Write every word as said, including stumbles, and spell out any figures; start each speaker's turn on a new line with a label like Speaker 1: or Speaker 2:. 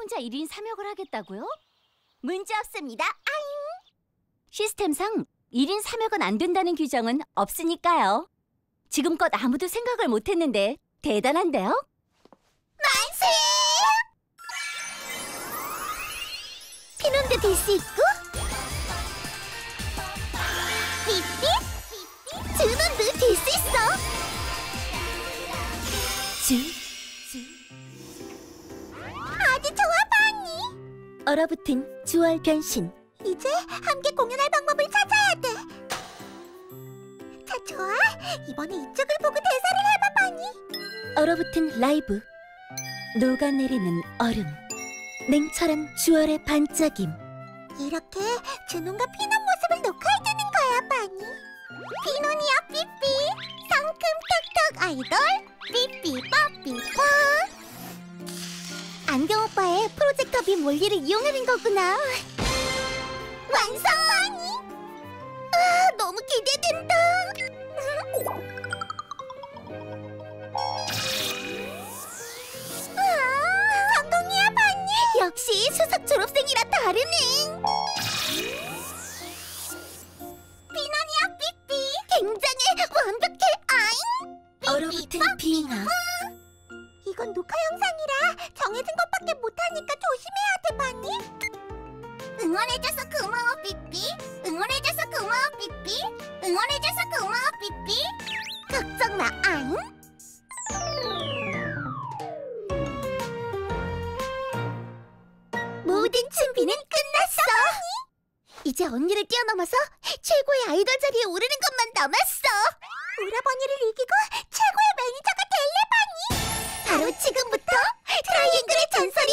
Speaker 1: 혼자 일 인 삼 역을 하겠다고요?
Speaker 2: 문제 없습니다. 아잉!
Speaker 1: 시스템상 일 인 삼 역은 안 된다는 규정은 없으니까요. 지금껏 아무도 생각을 못했는데 대단한데요?
Speaker 2: 만세! 피논도 될 수 있고 삐삐! 준원도 될 수 있어!
Speaker 1: 주, 주.
Speaker 2: 아주 좋아, 바니!
Speaker 1: 얼어붙은 주얼 변신.
Speaker 2: 이제 함께 공연할 방법을 찾아야 돼. 자, 좋아. 이번에 이쪽을 보고 대사를 해봐, 바니.
Speaker 1: 얼어붙은 라이브. 녹아내리는 얼음. 냉철한 주얼의 반짝임.
Speaker 2: 이렇게 준원과 피논 모습을 녹화해주는 거야, 바니. 피논이야, 삐삐. 상큼 톡톡 아이돌. 삐삐 뽀삐 뽀. 안경 오빠의 프로젝터빔 원리를 이용하는 거구나. 완성! 바니. 아, 너무 기대된다. 아, 성공이야, 바니. 역시 수석 졸업생이라 다르네. 피논이야, 삐삐. 굉장해, 완벽해, 아잉.
Speaker 1: 얼어붙은 빙하.
Speaker 2: 이건 녹화 영상이라 정해진 것밖에 못하니까 조심해야 돼, 바니. 응원해줘서 고마워, 삐삐. 응원해줘서 고마워, 삐삐. 응원해줘서 고마워, 삐삐. 걱정 마, 아잉. 모든 준비는 끝났어. 이제 언니를 뛰어넘어서 최고의 아이돌 자리에 오르는 것만 남았어. 오라버니를 이기고 최고의 매니저가 될래, 바니. 바로 지금부터 트라이앵글의 전설이